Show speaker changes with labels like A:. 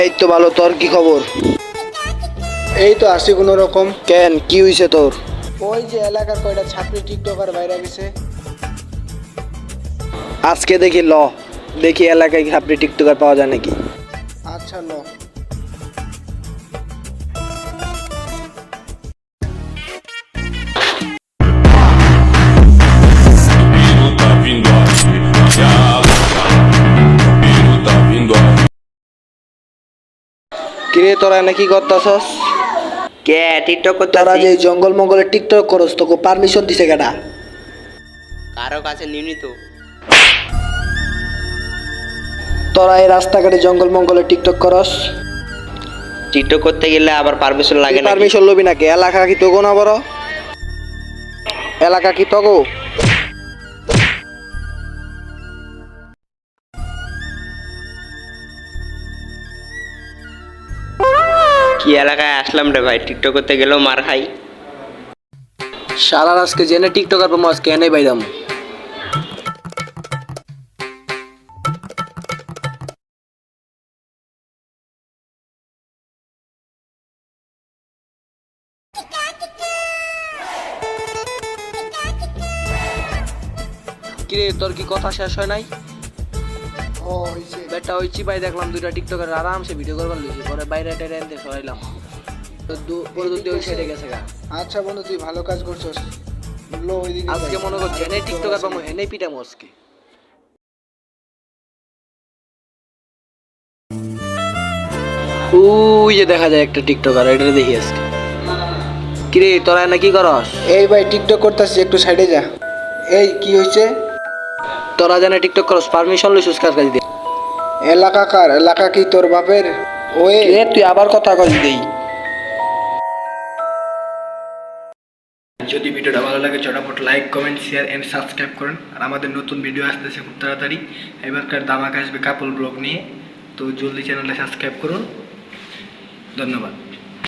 A: এই তো ভালো, তোর কি খবর?
B: এই তো আসি কোনো রকম।
A: কেন, কি হইছে তোর?
B: ওই যে এলাকার কয়টা ছাত্রী টিকটকার বাইরে গেছে।
A: আজকে দেখি দেখি এলাকায় আপনি টিকটকার পাওয়া যায় নাকি।
B: আচ্ছা ল।
C: Tá vindo aí, tá vindo aí.
A: কিরে তোরা এনে কি করতাছস?
D: কে টিকটক
A: তোরা
D: করতেছি?
A: যে জঙ্গল মঙ্গলে টিকটক করস তোকে পারমিশন দিছে কেডা?
D: কারো কাছে নিউনি তো।
A: তোরা এই রাস্তাঘাটে জঙ্গল মঙ্গলে টিকটক করস?
D: টিকটক করতে গেলে আবার পারমিশন লাগে না?
A: পারমিশন লবি নাকি? এলাকা কি তোগো না বড়? এলাকা কি তোগো?
D: কি এলাকায় আসলাম রে ভাই, টিকটক করতে গেলেও মার খাই।
A: সারা আজকে জেনে টিকটকার পাবো, আজকে এনে বাইরাম। কিরে তোর কি কথা শেষ হয় নাই?
B: ও হইছে।
A: বেটা ওই চিপাই দেখলাম দুইটা টিকটকার আরামসে ভিডিও করবার লইছে, পরে বাইরে টাইরে এনতে সরাইলাম। তো পরে দুটো ওই সাইডে গেছে গা।
B: আচ্ছা বন্ধু তুই ভালো কাজ করছস। লো ওইদিকে
A: আজকে
B: যাই।
A: মনে কর জেনে টিকটকার পাবো, এনেই পিটামো আজকে। ওই যে দেখা যায় একটা টিকটকার, এটা দেখি আজকে। কিরে তোরা না কি করস?
B: এই ভাই টিকটক করতেছি, একটু সাইডে যা। এই কি হয়েছে?
A: তোরা জানে টিকটক করস, পারমিশন লইছিস কার কাছে দিয়ে?
B: এলাকা কার? এলাকা কি তোর বাপের? ওয়ে
A: কিরে তুই আবার কথা কইস দেই।
E: যদি ভিডিওটা ভালো লাগে চটাপট like comment share and subscribe করুন। আর আমাদের নতুন ভিডিও আসতেছে খুব তাড়াতাড়ি। এবারকার দামাক আসবে কাপল ব্লগ নিয়ে, তো জলদি চ্যানেলটা সাবস্ক্রাইব করুন। ধন্যবাদ।